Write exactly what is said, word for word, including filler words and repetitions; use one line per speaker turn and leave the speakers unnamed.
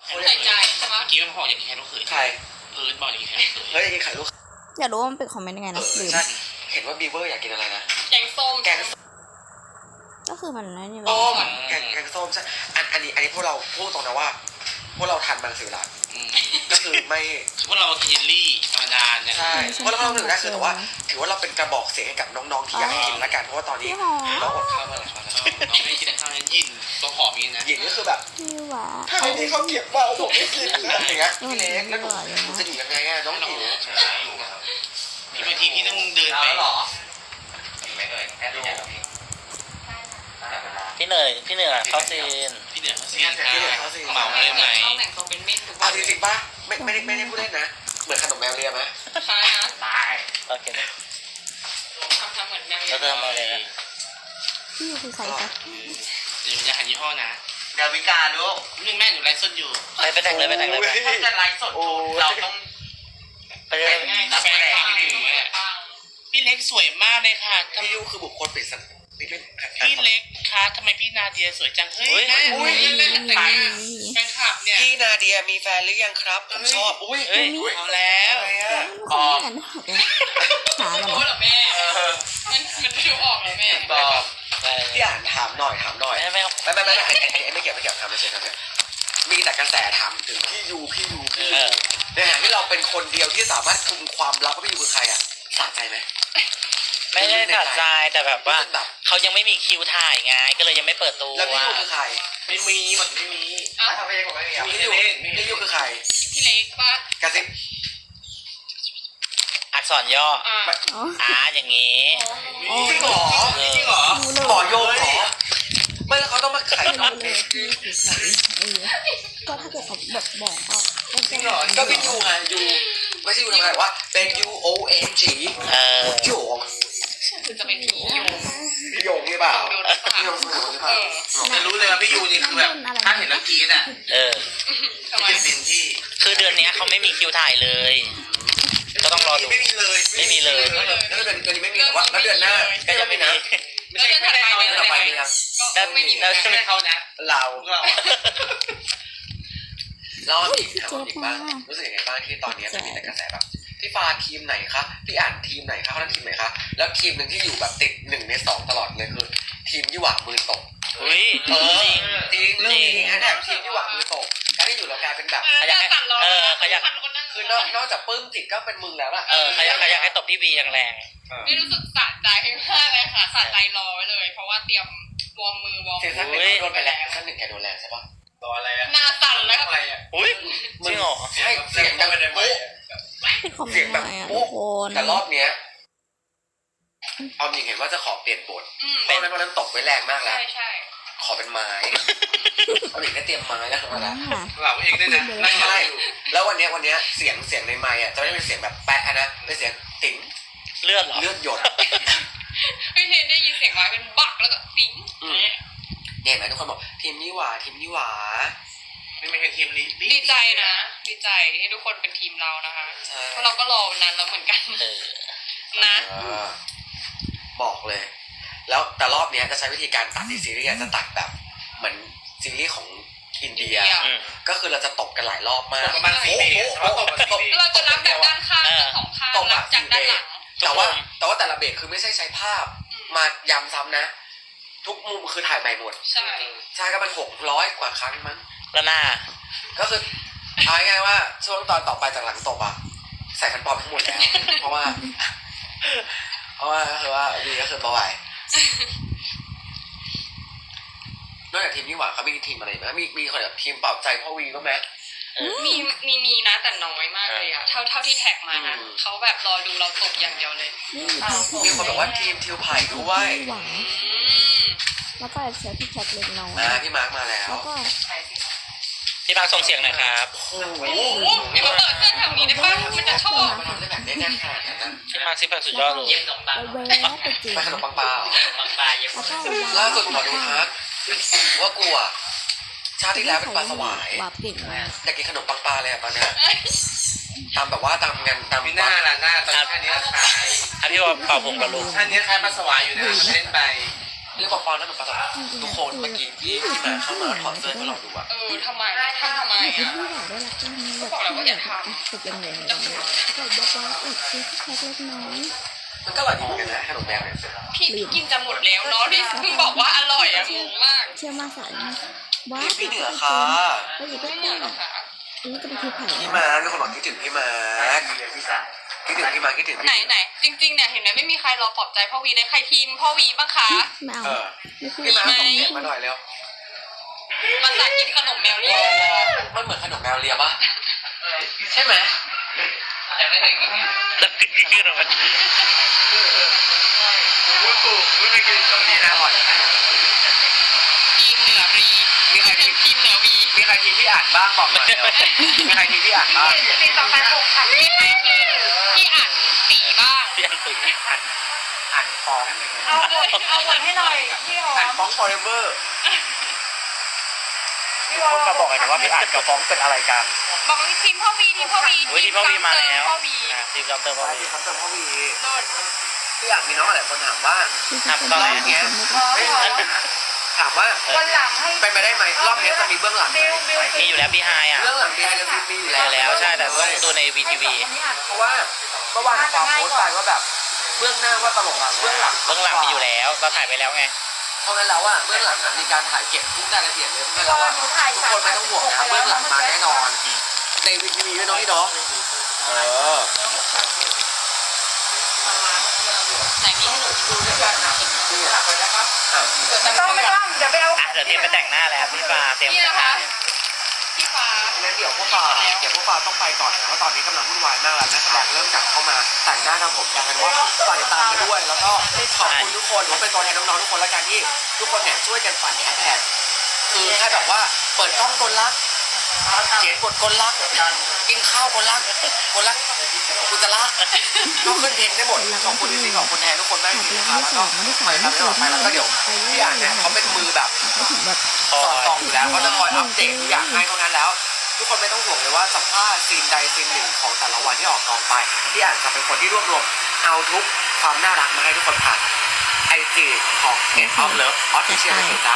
ใส่ใจใช่ไหม
เมื่อกี้มันบอกอย่างแค่ลูกเขย
ใคร
เพิร์ดบอกอย่างแค่ลูกเขย
เฮ้ยไข่ลูก
อยากรู้ว่ามันเป็นคอมเมนต์ยังไง
เอ
นะ
อ
ลืม
ใช่เห็นว่าบีเวอร์อยากกินอะไรนะ
แกงส้ม
แกง
ก็คือมันนั่นอยู่
ส้มแกงแกงส้มใช่อันอันนี้อันนี้พวกเราพูดตรงนะว่าพวกเราทานมังสวิรัต
อืม
ก็คือไม่
คือพวกเรากินเยลลี่ธรรมดาเนี่ย
ใช่เพราะเราเราถึงได้คือแต่ว่าถือว่าเราเป็นกระบอกเสียงให้กับน้องๆที่อยากให้กินละกันเพราะว่าตอนนี้
พี่หอม
น้องอดข้าวมาหลายวันแล้ว
น้องไม่ได้กินข้าวนั้นยินตัวหอมอย่างนี้นะ
หญิงก็คือแบบ
พี่หวา
ถ้าไม่มีข้าวเก็บมาผมไม่กินนะอย่างเงี้ยพี่เล็กแล้วหนูหนูจะอยู่ยังไงอะน้องหิว
มีบางทีพี่ต้องเดินไป
พี่เหนื่อยพี่เหนื่อยเข้าซีน
พี่เหนือเขาเสียนค่ะเหมาเลยไหม
ข้าวแบ่งตัวเป็นเม็ดทุกวั
เอา
น
จริงๆป่ะไม่ไม่ได้ไม่ได้พูดเล่นนะเหมือนขนมแมวเลียไหม
ใช่นะ
ตาย
โอเค
ทำทำเหมือนแมว
แล้วก็มาเลยนะ
พี่อยู่คือใครคะ
เดี๋ยวจะหันยี่ห้อนะ
ดาวิกาลูก
นึงแม่หนูไลฟ์สดอยู่
ไปไปแต่งเลยไปแต่งเลยไป
ถ้าจะไลฟ์สดเราต้อง
ไปเลย
ง่ายๆแฟนพี่เล็กสวยมากเลยค่ะ
พี่ยูคือบุคคลปริศนาพี่เป็น
พี่เล็กคะทำไมพี่นาเดียสวยจังเฮ้ยแม่อุ้ยแม่แต่งงานแฟนคลับเนี่ย
พี่นาเดียมีแฟนหรือยังครับผมชอบอุ้ย
เฮ้ยเอาแล้ว
อะไรอะ
คอมเมนต์กันหากัน
รู้เหรอแม่มันมันดูออกเหรอแม่
บอกไป
พี่อ่านถามหน่อยถามหน่อย
ไม่ไม่
ไม่ไม่ไม่ไม่ไอ้ไอ้ไอ้ไม่เกี่ยวไม่เกี่ยวทำไม่ใช่ทำเนี่ยมีแต่กระแสถามถึงพี่ยูพี่ยูพี่ยูในขณะที่เราเป็นคนเดียวที่สามารถคุมความลับว่าพี่ยูคือใครอ่ะสะใจไหม
ไม่ได้ตัดใจแต่แบบว่าเขายังไม่มีคิวถ่ายไงก็เลยยังไม่เปิดตัว
แล้วพี่ยูคือใคร
ไม่มีมันไม่มี
อ้าว
ทำไมผมไม่มีอ่ะ
พี่ยูพี่ยูคือใคร
พี่เล็กป่ะ
กระซิบ
อักษรย่อ
อ่า
อ๋อ
อ่าอย่างงี้
จริงเหรอ
เออ
จริงเหรอ
รู้เลย
ขอโยงเหรอไม่แล้วเขาต้องมาไข
รู้
น็อต
เลยพี่คือใครเออก็ถ้าเกิดเขาแบบบอกก็
จริงเหรอก็พี่ยูไงยูไม่ใช่ยูทำไมว่าเป็น U O N G
เออ
โยง
คือจะเป็นผีอยู่
พี่โยงหรือเปล่า
โดนหรือเปล่า
พี่โยงหรือเป
เอ
ล่า
อ
จะรู้เลยว่าพี่ยูนี่คือแบบถ้าเห็นแล้วกรี๊ดอ่ะ
เออ
ทำไม
ไม่เป็นที่
คือเดือนนี้เขาไม่มีคิวถ่ายเลย ก็ต้องรอดู
ไม่มีเลย
ไม่มีเลย
แล้วเดือนเดือนนี้ไม่มีแต่ว่าแล้วเดือนหน้าก็ยังไม่นะ
แล้วเดือนถัดไป
เดือนต่อไปมีนะ
ก็ไม่มี
แล้ว
ไม่เขานะ
เรา
เรา
เราอีกถามอีกบ้างรู้สึกยังไงบ้างที่ตอนนี้มันมีแต่กระแสแบบพี่ฟ้าทีมไหนคะพี่อ่านทีมไหนคะเขานั่นทีมไหนคะแล้วทีมหนึ่งที่อยู่แบบติดหนึ่งในสองตลอดเลยคือทีมยี่หว่ามือตก
เฮ้ย
เออ
จริง
จริงเรื่องนี้นะเนี่ยทีมยี่หว่ามือตกการที่อยู่เรากลายเป็นแบบ
ขยักให้เออขยัก
คือนอกนอกจากปลื้มจิตก็เป็นมึงแล้วอะ
เออขยักขยักให้ตบพี่วีแรง
ไม่รู้สึกสะใจมากเลยค่ะสะใจรอไว้เลย เพราะว่าเตรียมวอร์มมือวอร์ม
เสียงท่านหนึ่งโดนไปแล้วท่านหนึ่งแกโดนแรงใช่ปะ
ตัวอะไรอะ
หน้าสั่นแล้ว
อะไรอะ
ๆอุ้ยจริงเหรอ
ใช่เสียงดังโป๊ะ
เป็นคอมเมนต์อะไรอ่ะทุกคน
แต่รอบเนี้ยเอาจริงเห็นว่าจะขอเปลี่ยนบท
อืม
เพราะนั้นวันนั้นตกไว้แรงมากแล้
ใช่
ว
ใช่
ขอเป็นไม้เอาอีกได้เตรียมไม้แล้วมาแล้ว
อ่า
เราเองด้วยนะนั่ง
ใช่แล้ววันเนี้ยวันเนี้ยเสียงเสียงในไม้อะจะไม่เป็นเสียงแบบแปะนะเป็นเสียงติ๋ง
เลือดเหรอ
เลือดหยด
พี่เทนได้ยินเสียงไม้เป็นบักแล้วก็ปิ๊ง
เนี่ยเห็นไหมทุกคนบอกทีมยี่หว่าทีมยี่หว่า
นี่ไม่ใช่ทีมนี้
ดีใจนะดีใจที่ทุกคนเป็นทีมเรานะคะ
ใช่
เพราะเราก็รอวันนั้นแล้วเหมือนกัน
เออ
นะ
เออบอกเลย แล้วแต่รอบเนี้ยจะใช้วิธีการตัดที่ซีรีส์อะจะตัดแบบเหมือนซีรีส์ของอินเดีย
อืม
ก็คือเราจะตบกันหลายรอบมาก
ประมาณสี่เบรกเพราะตบมาสี่เบรก
เราจะรับจากด้านข้างจากสองข้าง
ตบ
รั
อะ
บจาก
สี่เบ
ด้าร นหลั
ก
ง
แต่ว่าแต่ว่าแต่ละเบรกคือไม่ใช่ใช้ภาพมาย้ำซ้ำนะ ทุกมุมคือถ่ายใหม่หมด
ใช่
ใช่ก็มันหกร้อยกว่าครั้งมั้ง
แล้วหน้า
ก็คือเอาง่ายๆว่าช่วงตอนต่อไปจากหลังตบอะใส่ฟันปลอมทั้งหมดแล้ว เพราะว่า เพราะว่าก็คือว่าวีก็คือเบาไหวนอกจากทีมยี่หว่าเขามีทีมอะไรไหมมีมีคนแบบทีมเป่าใจพ่อวีบ้างไหม
มีมีมีนะแต่น้อยมากเลยอะเท่าเท่าที่แท็กมานะ
อืม
เขาแบบรอดูเราตบอย่างเดียวเลย
นี่อยู่ทีม
มีคนบอกว่าทีมทิวไผ่ด้วย
หวัง
อืม
แล้วก็เสียพี่แคทเล็กน้อย
นะพี่มาร์กมาแล้ว
แล้วก็
พี่บางส่งเสียงหน่อยครับ
โอ้โห
โอ้โหมีมาเปิดเสื้อแถวนี้ได้ป่ะมันจะชอบ
มันทำได้แบบแน่นๆขนาดนั้นนะ
พี่มาร์คซิปแพคสุดยอดเลย
เย็บขนมปัง
ไปแวะไปจีบ
ไปขนมปังปลาเหรอ
ปังปลาเย็บ
แล้วก็
ล่าสุดหมอดูทักว่ากูอะชาติที่แล้วเป็นปลาสวาย
หวาบเก่งมาก
อยากกินขนมปังปลาเลยอะตอนเนี้ยตามแบบว่าตามงานตาม
มีหน้าล่ะหน้าตอนแค่นี้ขาย
อ่ะพี่บอกเป่าผมกับลูก
ท่านนี้คล้ายปลาสวายอยู่นะเล่นไป
เ
เรียกว่าฟอนแล้วมันประสบทุกคนเมื่อกี้พี่ที่มาเข้ามาถอดเสื้อให้เราดูอะ
เออทำไมทำทำไม
ที่
อ่ะ
อยากได้รักจังเลยแบบสุดแรงๆก็บอกว่าเออซื้อแค่เล็กน้อย
มันก็อร่อยดีเหมือนกันนะขนมแมวเนี่ย
พี่กินจะหมดแล้วเนาะพี่เพิ่งบอกว่าอร่อยอ่ะงงมาก
เชื่อมาสายว่า
พี่เหนือค่ะ
ก็อย่าไป
ไม่เห
เต้
นื่อน ยหรอกค่ะ
อันนี้ก็เป็นคือไผ่
พี่มาร์คมีคนบอกคิดถึงพี่มาร์คคิดถึงพี่มาร์คคิดถึงพี่
ไหนไหนจริงๆเนี่ยเห็นไหมไม่มีใครรอปลอบใจพ่อวีเลยใครทีมพ่อวีบ้างคะ
ไม่เอา
เออ
ไม่คุย
พี่มาร์คส่งเสียงมาหน่อยเร็ว
มาสากินขนมแมว
ร
เลี
อย รอมันเหมือนขนมแมวเลียปะใช่ไหม
แต่ไม่เคยกิน
แล้วพี่ชื่ออะไร
คุณปู่ไม่เคยกินตรงนี้นะ
อร่อยนะขนมแบบนี้
ทีมเหนือรี
มีใครทีม
ทีมเหนือวี
มีใครทีมพี่อ่านบ้างบอกหน่อยเร็วมีใครทีมพี่อ่านบ้าง
ทีมต่อไปหกค่ะมีใครทีมที่อ่านสีบ้าง
พี่อันตุย
อ่านอ่านฟ้อง
เอาบทเอาบทให้หน่อยพี่หอ
อ่าน
ม
ฟ้อง forever
พี่วอ
มาบอกหน่อยนะว่าพี่อ่านกับฟ้องเป็นอะไรกัน
บอกว่าทีมพ่อวีทีมพ่อวี
เฮ้ยที่พ่อวีมาแล้ว
พ่อวี
อ่ะทีมจอมเติมพ่อวี
พี่ครับเติมพ่อวี
โดน
พี่อ่านมีน้องหลายคนถามว่า
ทำตอนไหน
เนี้ย
อ๋อเหรอ
ถามว่า
วันหลังให้
เป็นไปได้ไหมรอบนี้จะมีเบื้องหลังไหม
บิวบิว
มีอยู่แล้วพี่ไฮอ่ะ
เบื้องหลังมีไฮเดอร์ฟิล์มมีอยู่
มี
แล้ว
แล้วใช่แต่ต้องดูในวีทีวี
เพราะว่าเมื่อวานความโพสต์ไปว่าแบบเบื้องหน้าว่าตลกอะเบื้องหลัง
เบื้องหลังมีอยู่แล้วเราถ่ายไปแล้วไง
เพราะงั้นแล้วอะเบื้องหลังอะมีการถ่ายเก็บทุกรายละเอียดเลยเพราะงั้นแล้วอะทุกคนไม่ต้องห่วงนะเบื้องหลังมาแน่นอนในวีทีวีด้วยเน้องพี่เนาะเออ
ไหนมีให้หนูดูด้วยกันนะ
นี่อ่ะ
ไม่ต้องไม่ต้องเดี๋ยวไปเอา
อ่ะเดี๋ยวทีมไปแต่งหน้าแล้วพี่ฟ้าเตรียม
พี่
แต่
นะ
งหน้า
คะพี่ฟ้า
งั้นเดี๋ยวพวกฟ้าเดี๋ยวพวกฟ้าต้องไปก่อนนะเพราะตอนนี้กำลังวุ่นวายมากแล้วนักแสดงเริ่มกลับเข้ามาแต่งหน้าทำผมกันกันว่าฝากติดตามกันด้วยแล้วก็ขอบคุณทุกคนว่าเป็นตัวแทนน้องๆทุกคนและกันที่ทุกคนเนี่ยช่วยกันปั่นแฮชแท็กคือแค่แบบว่าเปิดกล้องคนรักเขียนบทคนรักกินข้าวคนรักคนรักคุณจะรักก็ขึ้นเพลงได้หมดขอบคุณจริงๆขอบคุณแทนทุกคนมากจริงๆนะครับแล้วก็ไปตามตลอดไปแล้วก็เดี๋ยวพี่อ่านเนี่ยเขาเป็นมือแบบ
ไม่ถึงแบบ
คอ
สอด
ย
ส่องอยู่แล้วเขาจะคอยอัปเดตทุกอย่างให้เพราะงั้นแล้ว ทุกคนไม่ต้องห่วงเลยว่าสัมภาษณ์ซีนใดซีนหนึ่งของแต่ละวันที่ออกกองไปพี่อ่านจะเป็นคนที่รวบรวมเอาทุกความน่ารักมาให้ทุกคนผ่านไอจีของ End of Love Official เลยจ้า